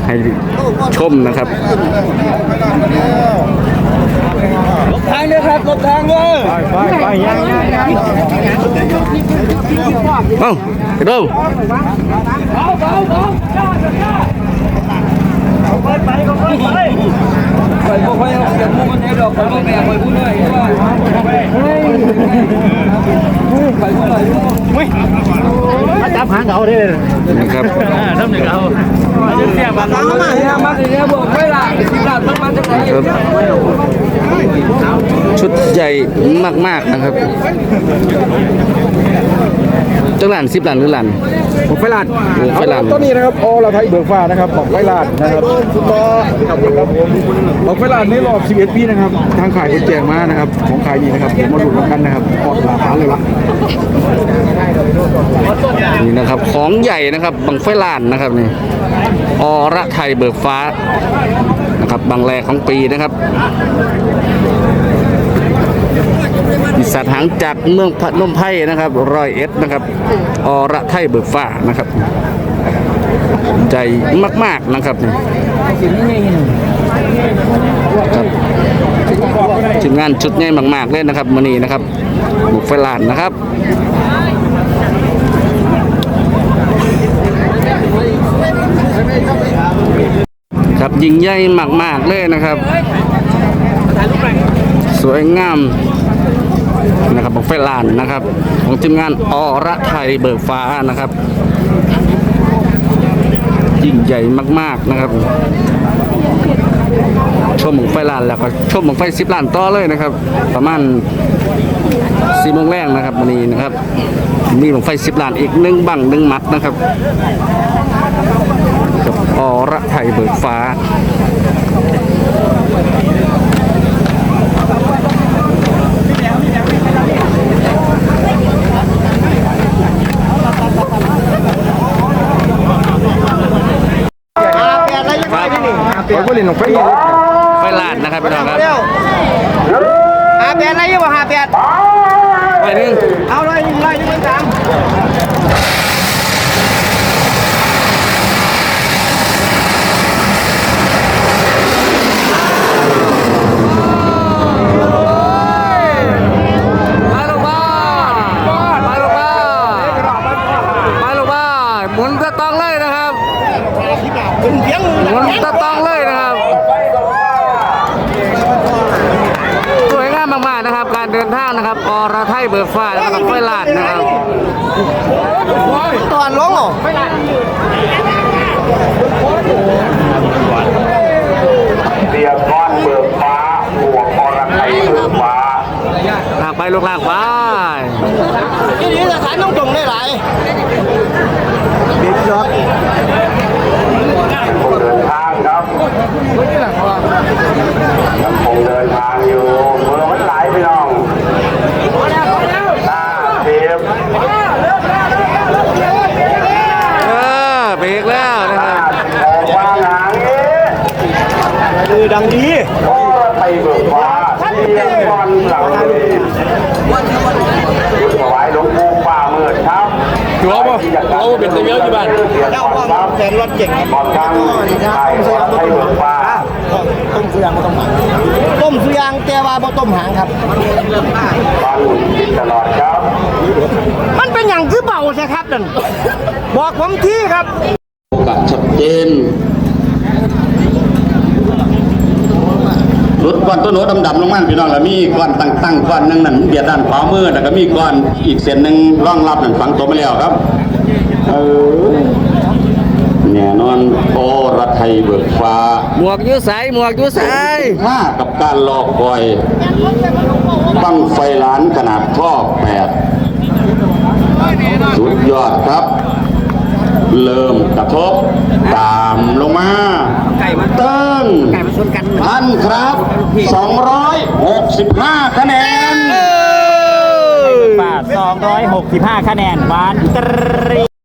ให้ชมนะครับทางเลยครับหลบทางเลยไปยังเอ้าไปดูไปพวกเขาเสียงมุกมันให้ดอกไปพวกแม่ไปพูดหน่อยไปพูดหน่อยมาจับหางเขาได้นะครับน้ำหนึ่งเขาเสียบัตรมาเนี่ยบอกไม่ละสิบล้านมันมาจากไหนชุดใหญ่มากๆนะครับจังหลัน10 ล้านหรือล้านบอกไฟลาดต้นนี้นะครับเราไทยเบิกฟ้านะครับบอกไฟลาดนะครับสุดต่อบอกไฟลาดในรอบ11 ปีนะครับทางขายคนแจกมานะครับของขายดีนะครับผมมาดูกันนะครับปอดหลาฟ้าเลยละนี่นะครับของใหญ่นะครับบังไฟลานนะครับนี่อระไทยเบิกฟ้านะครับบางแรกของปีนะครับปีศาจหางจากเมืองพนมไพรนะครับ101นะครับอระไทยเบิกฟ้านะครับใจมากๆนะครับนี่ครับทีมงานชุดใหญ่มากๆเลยนะครับมื้อนี้นะครับบุกไฟลานนะครับครับยิ่งใหญ่มากๆเลยนะครับสวยงามนะครับบุกไฟลานนะครับของทีมงานอระไทยเบิกฟ้านะครับยิ่งใหญ่มากๆนะครับชมบุกไฟลานแล้วก็ชมบุกไฟ10 ล้านต่อเลยนะครับประมาณ4 โมงแรงนะครับวันนี้นะครับมีบุกไฟ10 ล้านอีก1 บัง1 มัดนะครับกับอระไทยเบิกฟ้าไฟลานนะครับพี่น้องครับ 58อะไรอยู่บ่58 ไปหนึ่งเอาเลย1เลย1กลางหมุนตะตองเลยนะครับหมุนตะตองเลยนะครับสวยงามมากๆนะครับการเดินทางนะครับอระไทยเบิกฟ้าแล้วก็ไฟลาดนะครับตอนลงเหรอเสียก้อนเบิกฟ้าบวกอรไทยเบิกฟ้าลากไปลูกลากไปที่นี่สถานต้องจงได้หลายเด็กยอดผมเดินทางครับผมเดินทางอยู่เมืองมันหลายพี่น้องหน้าเทียบเบรกแล้วนะครับออกมาหางนี้คือดังดีอรไทยเบิกฟ้าเสียก้อนหลังเลยถวายหลวงปู่ป่าเมือครับถือว่าเราเป็นตัวเยอะที่บ้านเจ้าว่าแสนรถเก่งบอกทางไทยอรไทยเบิกฟ้าต้มสุยางไม่ต้องหางต้มสุยางแต่ว่าบ่ต้มหางครับฟังกินตลอดครับมันเป็นอย่างคือเบาใช่ครับนั่นบอกผมที่ครับแบบชัดเจนรถก้อนต้นโน้ตดำๆลงมาพี่น้องแล้วมีก้อนตั้งก้อนนึงนั่นเบียดด้านขวามือแล้วก็มีก้อนอีกเส้นหนึ่งร่องรับนั่นฝังตัวมาแล้วครับแน่นอนอรไทยเบิกฟ้าหมวกยูสายมากับการรอคอยบั้งไฟล้านขนาดท่อ8สุดยอดครับเริ่มกระทบตามลงมาเติ้งท่านครับ265 คะแนน 265 คะแนนหวานตรี